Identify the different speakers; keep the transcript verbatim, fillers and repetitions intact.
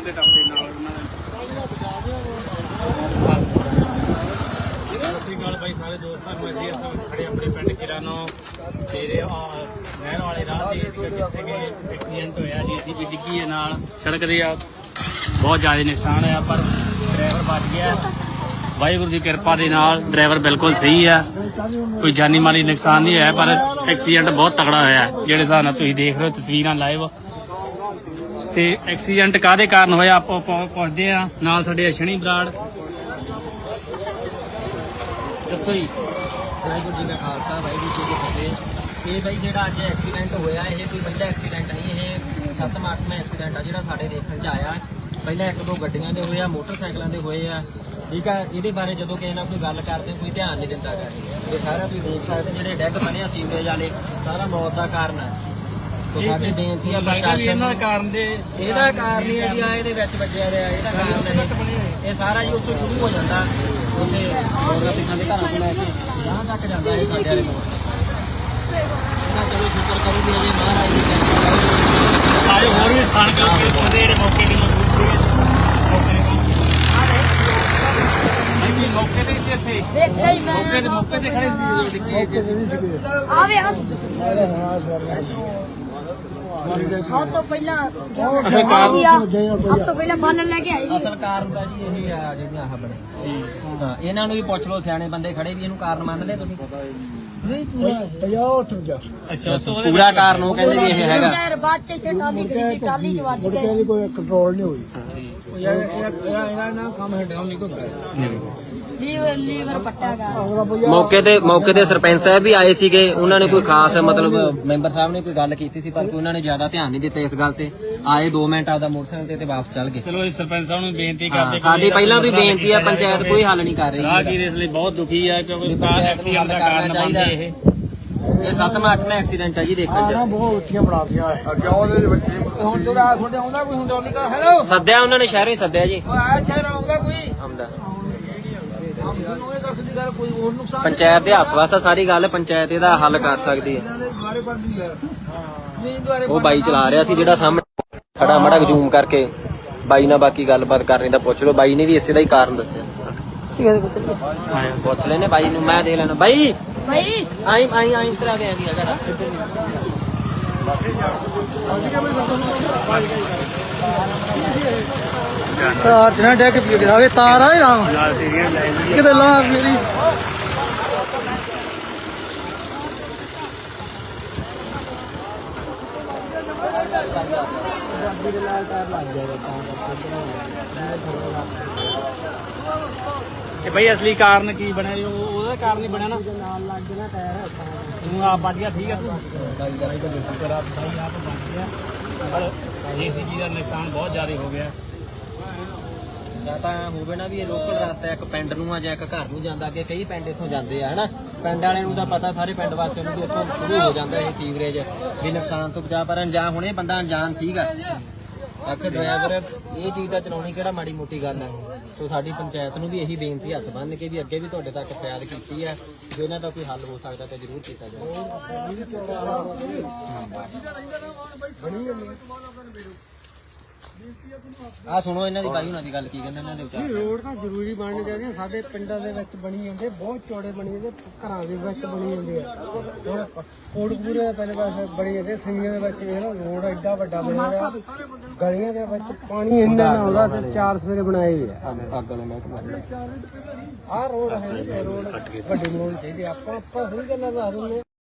Speaker 1: ਦੇ ਟੱਪਦੇ ਨਾਲ ਉਹਨਾਂ ਸਤਿ ਸ਼੍ਰੀ ਅਕਾਲ ਬਾਈ ਸਾਰੇ ਦੋਸਤਾਂ ਨੂੰ। ਅਸੀਂ ਇਸ ਵਕਤ ਖੜੇ ਆਪਣੇ ਪਿੰਡ ਕਿਰਾਨੋ ਤੇਰੇ ਨਹਿਰ ਵਾਲੇ ਰਾਹ ਤੇ ਜਿੱਥੇ ਕਿ ਐਕਸੀਡੈਂਟ ਹੋਇਆ ਜੀ ਅਸੀਂ ਵੀ ਡਿੱਗੀ ਹੈ ਨਾਲ ਸੜਕ ਦੇ ਆ ਬਹੁਤ ਜ਼ਿਆਦਾ ਨੁਕਸਾਨ ਹੋਇਆ ਪਰ ਡਰਾਈਵਰ ਬਚ ਗਿਆ। ਵਾਹਿਗੁਰੂ ਦੀ ਕਿਰਪਾ ਦੇ ਨਾਲ ਡਰਾਈਵਰ ਬਿਲਕੁਲ ਸਹੀ ਆ, ਕੋਈ ਜਾਨੀ ਮਾਲੀ ਨੁਕਸਾਨ ਨਹੀਂ ਹੋਇਆ ਪਰ ਐਕਸੀਡੈਂਟ ਬਹੁਤ ਤਕੜਾ ਹੋਇਆ ਜਿਹੜੇ ਹਿਸਾਬ ਨਾਲ ਤੁਸੀਂ ਦੇਖ ਰਹੇ ਹੋ ਤਸਵੀਰਾਂ ਲਾਈਵ। ਤੇ ਐਕਸੀਡੈਂਟ ਕਾਹਦੇ ਕਾਰਨ ਹੋਇਆ ਆਪਾਂ ਪੁੱਛਦੇ ਆ ਨਾਲ ਸਾਡੇ ਅਸ਼ਣੀ ਬਰਾੜ। ਦੱਸੋ ਜੀ।
Speaker 2: ਵਾਹਿਗੁਰੂ ਜੀ ਦਾ ਖਾਲਸਾ ਵਾਹਿਗੁਰੂ ਜੀ ਕੀ ਫਤਿਹ। ਇਹ ਬਾਈ ਜਿਹੜਾ ਅੱਜ ਐਕਸੀਡੈਂਟ ਹੋਇਆ ਇਹ ਕੋਈ ਪਹਿਲਾ ਐਕਸੀਡੈਂਟ ਨਹੀਂ, ਇਹ ਸੱਤਵਾਂ ਅੱਠਵਾਂ ਐਕਸੀਡੈਂਟ ਆ ਜਿਹੜਾ ਸਾਡੇ ਦੇਖਣ 'ਚ ਆਇਆ। ਪਹਿਲਾਂ ਇੱਕ ਦੋ ਗੱਡੀਆਂ ਦੇ ਹੋਏ ਆ, ਮੋਟਰਸਾਈਕਲਾਂ ਦੇ ਹੋਏ ਆ, ਠੀਕ ਆ। ਇਹਦੇ ਬਾਰੇ ਜਦੋਂ ਕਿਸੇ ਨਾਲ ਕੋਈ ਗੱਲ ਕਰਦੇ ਕੋਈ ਧਿਆਨ ਨਹੀਂ ਦਿੰਦਾ ਗਾ। ਇਹ ਸਾਰਾ ਤੁਸੀਂ ਦੇਖ ਸਕਦੇ ਜਿਹੜੇ ਡੈੱਗ ਬਣੇ ਆ ਸੀਵਰੇਜ ਵਾਲੇ ਸਾਰਾ ਮੌਤ ਦਾ ਕਾਰਨ ਹੈ। ਸਾਡੀ ਬੇਨਤੀ ਆ ਪ੍ਰਸ਼ਾਸਨ ਨੂੰ,
Speaker 1: ਕਾਰਨ ਦੇ
Speaker 2: ਇਹਦਾ ਕਾਰਨ ਹੀ ਹੈ ਜੀ ਆ ਇਹਦੇ ਵਿੱਚ ਵੱਜਿਆ ਰਿਹਾ, ਇਹਦਾ ਕਾਰਨ ਹੈ ਇਹ ਸਾਰਾ ਜੀ ਉੱਥੋਂ ਸ਼ੁਰੂ ਹੋ ਜਾਂਦਾ ਉੱਥੇ ਮੋਰਗਾ ਪਿੱਛਾਂ ਦੇ ਘਰਾਂ ਤੋਂ ਲੈ ਕੇ ਜਹਾਂ ਤੱਕ ਜਾਂਦਾ ਇਹ ਸਾਡੇ ਵਾਲੇ ਮੋੜ। ਇਹਨਾਂ ਚਲੋ ਸ਼ੁਕਰ ਕਰੂਗੀ ਅਜੇ ਮਹਾਰਾਜ ਦੀ ਕਿਰਪਾ
Speaker 1: ਆਏ ਹੋਰ ਵੀ ਸਥਾਨਕ ਲੋਕ ਪਹੁੰਚੇ ਜਿਹੜੇ ਮੌਕੇ ਤੇ ਮੌਜੂਦ ਸੀਗੇ। ਮੌਕੇ ਤੇ ਸੀ ਇੱਥੇ
Speaker 3: ਦੇਖਿਆ ਹੀ ਮੈਂ
Speaker 1: ਮੌਕੇ ਤੇ ਮੌਕੇ ਤੇ ਖੜੇ ਸੀ।
Speaker 3: ਆਵੇ ਆ ਸਭ ਤੋਂ ਪਹਿਲਾਂ
Speaker 1: ਅਸਲ ਕਾਰਨ
Speaker 3: ਸਭ ਤੋਂ ਪਹਿਲਾਂ ਬੰਨ ਲੈ ਕੇ ਆਏ ਸੀ।
Speaker 2: ਅਸਲ ਕਾਰਨ ਤਾਂ ਜੀ ਇਹੀ ਆ ਜਿਹੜੀਆਂ ਆਹ ਬਣੇ। ਹਾਂ ਇਹਨਾਂ ਨੂੰ ਵੀ ਪੁੱਛ ਲਓ, ਸਿਆਣੇ ਬੰਦੇ ਖੜੇ ਵੀ ਇਹਨੂੰ ਕਾਰਨ ਮੰਨਦੇ ਤੁਸੀਂ?
Speaker 3: ਨਹੀਂ ਪੂਰਾ
Speaker 1: ਅੱਛਾ
Speaker 2: ਪੂਰਾ ਕਾਰਨ ਉਹ ਕਹਿੰਦੇ ਵੀ ਇਹ ਹੈਗਾ।
Speaker 3: ਯਾਰ ਬਾਅਦ ਚ ਇੱਥੇ ਟਾਲੀ ਖੜੀ ਸੀ, ਟਾਲੀ ਚ ਵੱਜ ਗਏ।
Speaker 4: ਕੋਈ ਕੰਟਰੋਲ ਨਹੀਂ ਹੋਈ ਯਾਰ। ਇਹਨਾਂ ਨਾਲ ਕੰਮ ਹੈਂਡਲ ਨਹੀਂ ਹੁੰਦਾ।
Speaker 3: ਲੀਵਰ ਲੀਵਰ ਪੱਟਾਗਾ।
Speaker 2: ਮੌਕੇ ਤੇ ਮੌਕੇ ਤੇ ਸਰਪੰਚ ਸਾਹਿਬ ਵੀ ਆਏ ਸੀਗੇ, ਉਹਨਾਂ ਨੇ ਕੋਈ ਖਾਸ ਮਤਲਬ ਮੈਂਬਰ ਸਾਹਿਬ ਨੇ ਕੋਈ ਗੱਲ ਕੀਤੀ ਸੀ ਪਰ ਕੋਈ ਉਹਨਾਂ ਨੇ ਜ਼ਿਆਦਾ ਧਿਆਨ ਨਹੀਂ ਦਿੱਤਾ ਇਸ ਗੱਲ ਤੇ। ਆਏ ਦੋ ਮਿੰਟ ਆਪਦਾ ਮੋਟਰਸਾਈਕਲ ਤੇ ਤੇ ਵਾਪਸ ਚੱਲ ਗਏ।
Speaker 1: ਚਲੋ ਇਸ ਸਰਪੰਚ ਸਾਹਿਬ ਨੂੰ ਬੇਨਤੀ
Speaker 2: ਹਾਂ,
Speaker 1: ਕਰਦੇ
Speaker 2: ਸਾਡੀ ਪਹਿਲਾਂ ਤੋਂ ਹੀ ਬੇਨਤੀ ਆ, ਪੰਚਾਇਤ ਕੋਈ ਹੱਲ ਨਹੀਂ ਕਰ ਰਹੀ।
Speaker 1: ਰਾਹਗੀਰ ਇਸ ਲਈ ਬਹੁਤ ਦੁਖੀ ਆ ਕਿਉਂਕਿ ਕਾਰ ਐਕਸੀਡੈਂਟ ਦਾ ਕਾਰਨ ਬਣਦੇ ਇਹ।
Speaker 2: ਇਹ ਸੱਤਵਾਂ ਅੱਠਵਾਂ ਐਕਸੀਡੈਂਟ ਆ ਜੀ ਦੇਖਣ ਚ।
Speaker 4: ਬਹੁਤ ਉੱਚੀਆਂ ਬਣਾ ਦਿਆਂ ਅੱਗੇ ਉਹਦੇ ਵਿੱਚ ਹੁਣ ਜਿਹੜਾ ਤੁਹਾਡੇ ਆਉਂਦਾ ਕੋਈ ਹੁੰਦਾ ਨਹੀਂ ਕਰ। ਹੈਲੋ
Speaker 2: ਸੱਦਿਆ ਉਹਨਾਂ ਨੇ ਸ਼ਹਿਰੋਂ ਹੀ ਸੱਦਿਆ ਜੀ।
Speaker 4: ਆਇਆ ਸ਼ਹਿਰ ਆਉਂਦਾ ਕੋਈ
Speaker 2: ਆਉਂਦਾ
Speaker 4: ਕੋਈ ਹੋਰ ਨੁਕਸਾਨ
Speaker 2: ਪੰਚਾਇਤ ਦੇ ਹੱਥ ਵਾਸਾ ਸਾਰੀ ਗੱਲ, ਪੰਚਾਇਤ ਇਹਦਾ ਹੱਲ ਕਰ ਸਕਦੀ ਹੈ।
Speaker 4: ਦੁਆਰੇ ਪਰ ਨਹੀਂ
Speaker 2: ਉਹ ਬਾਈ ਚਲਾ ਰਿਹਾ ਸੀ ਜਿਹੜਾ ਸਾਹਮਣੇ ਖੜਾ, ਮੜਾ ਜ਼ੂਮ ਕਰਕੇ ਬਾਈ ਨਾਲ ਬਾਕੀ ਗੱਲਬਾਤ ਕਰਨੀ ਤਾਂ ਪੁੱਛ ਲਓ। ਬਾਈ ਨੇ ਵੀ ਇਸੇ ਦਾ ਹੀ ਕਾਰਨ ਦੱਸਿਆ। ਪੁੱਛ ਲੈਨੇ ਬਾਈ ਨੂੰ, ਮੈਂ ਦੇ ਲੈਣਾ। ਬਾਈ
Speaker 3: ਭਾਈ
Speaker 2: ਆਈ ਆਈ ਆਈ ਤਰਾ ਗਿਆ ਦੀ ਹੈਗਾ
Speaker 4: ਤਾਰ ਜਨਾ ਡੈਕ ਪੀ ਗਿਰਾਵੇ ਤਾਰ ਆਏ ਰਾਮ ਕਿਤੇ ਲਾ ਮੇਰੀ
Speaker 1: ਕਿ ਬਈ ਅਸਲੀ ਕਾਰਨ ਕੀ ਬਣਿਆ ਜੀ? ਉਹ- ਉਹਦਾ ਕਾਰਨ ਹੀ ਬਣਿਆ ਨਾ
Speaker 4: ਨਾਲ ਲੱਗ ਗਿਆ ਟਾਇਰ
Speaker 1: ਤੂੰ ਆਪ ਵੱਜ ਗਿਆ। ਠੀਕ ਆ ਤੂੰ ਬਾਈ ਆਪ ਵੱਜ ਗਿਆ ਪਰ ਜੀਸੀਬੀ ਦਾ ਨੁਕਸਾਨ ਬਹੁਤ ਜ਼ਿਆਦਾ ਹੋ ਗਿਆ।
Speaker 2: ਜਾਂ ਤਾਂ ਹੋਵੇ ਨਾ ਵੀ ਇਹ ਲੋਕਲ ਰਸਤਾ ਇੱਕ ਪਿੰਡ ਨੂੰ ਆ ਜਾਂ ਇੱਕ ਘਰ ਨੂੰ ਜਾਂਦਾ। ਅੱਗੇ ਕਈ ਪਿੰਡ ਇੱਥੋਂ ਜਾਂਦੇ ਆ ਹਨਾ। ਪਿੰਡ ਵਾਲਿਆਂ ਨੂੰ ਤਾਂ ਪਤਾ, ਸਾਰੇ ਪਿੰਡ ਵਾਸੀਆਂ ਨੂੰ ਵੀ ਇੱਥੋਂ ਸ਼ੁਰੂ ਹੋ ਜਾਂਦਾ ਇਹ ਸੀਵਰੇਜ ਵੀ ਨੁਕਸਾਨ ਤੋਂ ਬਚਾ। ਪਰ ਅਣਜਾਣ ਹੁਣ ਇਹ ਬੰਦਾ ਅਣਜਾਣ ਸੀਗਾ। ਆਖਰ ਡਰਾਈਵਰ ਇਹ ਚੀਜ਼ ਦਾ ਚਲਾਉਣੀ ਕਿਹੜਾ ਮਾੜੀ ਮੋਟੀ ਗੱਲ ਹੈ। ਸੋ ਸਾਡੀ ਪੰਚਾਇਤ ਨੂੰ ਵੀ ਇਹੀ ਬੇਨਤੀ ਹੱਥ ਬੰਨ੍ਹ ਕੇ ਵੀ ਅੱਗੇ ਵੀ ਤੁਹਾਡੇ ਤੱਕ ਫਰਿਆਦ ਕੀਤੀ ਹੈ, ਜੇ ਇਹਨਾਂ ਦਾ ਕੋਈ ਹੱਲ ਹੋ ਸਕਦਾ ਤਾਂ ਜ਼ਰੂਰ ਕੀਤਾ ਜਾਵੇ। ਆ ਸੁਣੋ ਇਹਨਾਂ ਦੀ ਬਾਈ ਉਹਨਾਂ ਦੀ ਗੱਲ ਕੀ ਕਹਿੰਦੇ ਇਹਨਾਂ ਦੇ ਵਿਚਾਰ।
Speaker 4: ਰੋਡ ਤਾਂ ਜ਼ਰੂਰੀ ਬਣਨੇ ਚਾਹੀਦੇ ਆ। ਸਾਡੇ ਪਿੰਡਾਂ ਦੇ ਵਿੱਚ ਬਣੀ ਜਾਂਦੇ, ਬਹੁਤ ਚੌੜੇ ਬਣੀ ਜਾਂਦੇ, ਘਰਾਂ ਦੇ ਵਿੱਚ ਬਣੀ ਜਾਂਦੇ ਆ। ਹੁਣ ਕੋਟਪੂਰੇ ਦੇ ਪਹਿਲੇ ਪਾਸੇ ਬਣੀ ਜਾਂਦੇ, ਸਿੰਗੀਆਂ ਦੇ ਵਿੱਚ ਇਹ ਨਾ ਰੋਡ ਐਡਾ ਵੱਡਾ ਬਣਿਆ ਹੋਇਆ, ਗਲੀਆਂ ਦੇ ਵਿੱਚ ਪਾਣੀ ਇੰਨਾ ਨਾ ਆਉਂਦਾ ਤੇ ਚਾਰ ਸਵੇਰੇ ਬਣਾਏ ਹੋਏ ਆ।
Speaker 2: ਅੱਗ ਵਾਲਾ ਮਹਿਕਮਾ
Speaker 4: ਆਹ ਰੋਡ ਹੈ, ਰੋਡ ਵੱਡੇ ਬਣਾਉਣੇ ਚਾਹੀਦੇ। ਆਪਾਂ ਆਪਾਂ ਸਹੀ ਗੱਲਾਂ ਦੱਸ ਦਿੰਦੇ।